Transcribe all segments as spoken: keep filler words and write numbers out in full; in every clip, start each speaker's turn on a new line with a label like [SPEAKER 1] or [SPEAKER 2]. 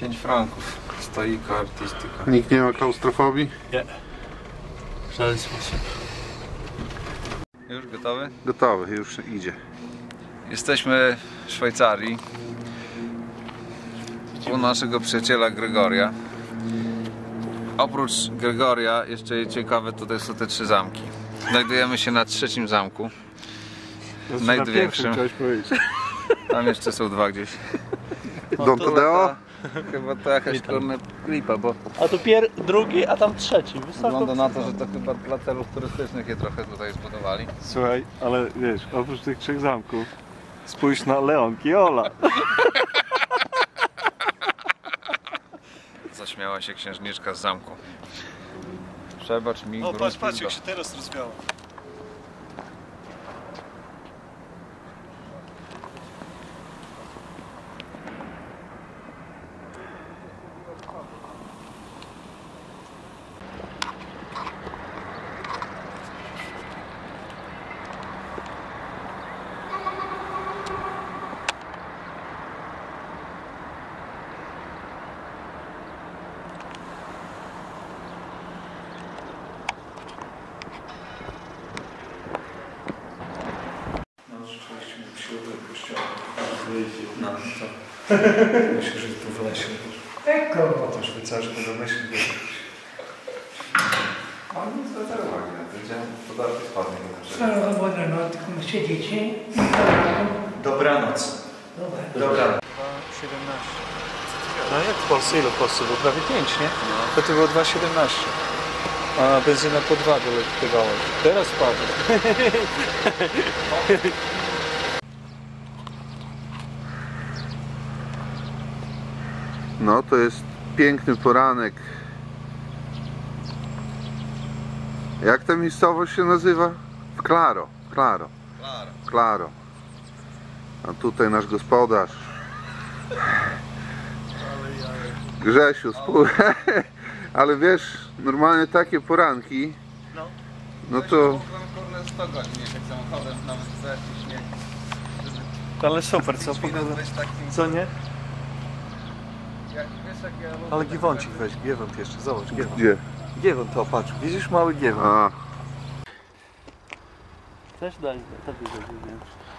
[SPEAKER 1] pięć franków. Stoika artystyka.
[SPEAKER 2] Nikt nie ma klaustrofobii?
[SPEAKER 3] Nie. W żaden sposób.
[SPEAKER 1] Już gotowy?
[SPEAKER 2] Gotowy, już idzie.
[SPEAKER 1] Jesteśmy w Szwajcarii. U naszego przyjaciela Gregoria. Oprócz Gregoria jeszcze ciekawe tutaj są te trzy zamki. Znajdujemy się na trzecim zamku. Największym. Tam jeszcze są dwa gdzieś.
[SPEAKER 2] Don Tadeo?
[SPEAKER 1] Chyba to jakaś korna klipa, bo
[SPEAKER 3] A tu pier drugi, a tam trzeci. Wysoko.
[SPEAKER 1] wygląda na to, że to chyba dla celów turystycznych je trochę tutaj zbudowali.
[SPEAKER 4] Słuchaj, ale wiesz, oprócz tych trzech zamków spójrz na Leon Kiola.
[SPEAKER 1] Zaśmiała się księżniczka z zamku. Przebacz mi,
[SPEAKER 4] O, patrz, patrz jak
[SPEAKER 1] się...
[SPEAKER 4] się teraz rozwiało.
[SPEAKER 1] No,
[SPEAKER 4] co? Myślę, że tu w lesie. O to Szwajcarzy będą myśleć.
[SPEAKER 1] on nie zwraca uwagi na to, gdzie podatki spadnie.
[SPEAKER 5] Dobra, no tylko siedzicie.
[SPEAKER 4] Dobranoc.
[SPEAKER 5] Dobra.
[SPEAKER 4] Dobranoc. siedemnaście. No jak w Polsce? Ile w Polsce było? Prawie pięć, nie? To to było dwa siedemnaście. A benzyna po dwa doletywała. Teraz spadła.
[SPEAKER 2] No to jest piękny poranek. Jak ta miejscowość się nazywa? Claro, Claro,
[SPEAKER 1] Claro.
[SPEAKER 2] Claro. A tutaj nasz gospodarz Grzesiu, spół... Ale wiesz, normalnie takie poranki,
[SPEAKER 3] No.
[SPEAKER 2] no to
[SPEAKER 1] sto godzin jechać samochodem, nawet za śnieg.
[SPEAKER 4] Ale super, co pogoda? Co nie?
[SPEAKER 1] Jak, wiesz, jak ja lubię
[SPEAKER 4] Ale
[SPEAKER 1] tak
[SPEAKER 4] giewącik
[SPEAKER 1] tak-
[SPEAKER 4] weź, giewont jeszcze, zobacz, giewont.
[SPEAKER 2] gdzie?
[SPEAKER 4] Giewont to, patrz, widzisz mały giewont.
[SPEAKER 2] A,
[SPEAKER 3] Też daj, tak będzie, nie?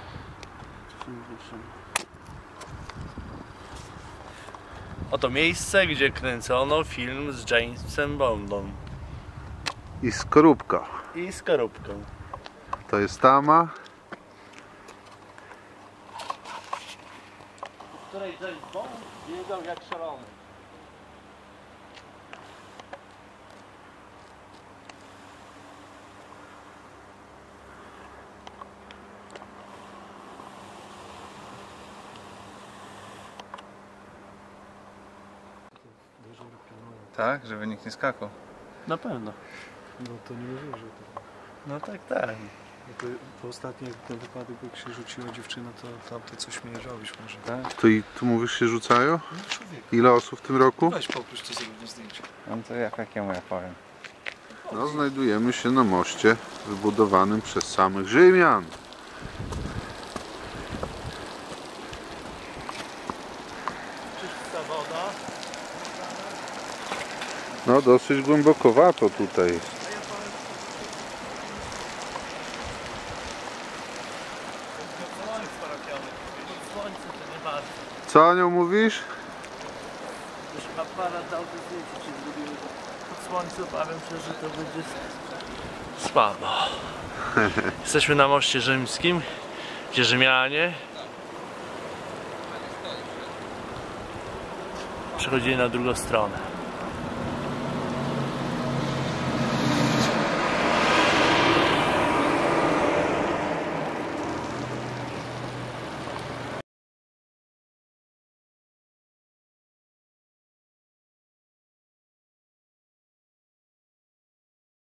[SPEAKER 3] Oto miejsce, gdzie kręcono film z Jamesem Bondem
[SPEAKER 2] i skorupka.
[SPEAKER 3] i skorupką.
[SPEAKER 2] To jest tama.
[SPEAKER 3] W której James Bond biegał jak szalony.
[SPEAKER 1] Tak, żeby nikt nie skakał.
[SPEAKER 3] Na pewno.
[SPEAKER 4] No to nie mówię, że to...
[SPEAKER 3] No tak, tak.
[SPEAKER 4] No to, to ostatni ten wypadek, jak się rzuciła dziewczyna, to tamte coś mierzyłeś może.
[SPEAKER 1] Tak?
[SPEAKER 2] To i tu mówisz się rzucają?
[SPEAKER 4] No człowiek,
[SPEAKER 2] Ile osób w tym roku?
[SPEAKER 4] weź poproś to zrobić zdjęcie.
[SPEAKER 1] No to jak jakiemu ja powiem.
[SPEAKER 2] No, znajdujemy się na moście wybudowanym przez samych Rzymian.
[SPEAKER 3] Czysta woda.
[SPEAKER 2] No dosyć głębokowato tutaj jest.
[SPEAKER 3] Słońce to nie bardzo.
[SPEAKER 2] Co o nią mówisz?
[SPEAKER 3] Już aparat dał te zdjęcie, czy zrobimy to pod słońce, obawiam się, że to będzie słabo. Jesteśmy na moście rzymskim, gdzie Rzymianie przechodzili na drugą stronę.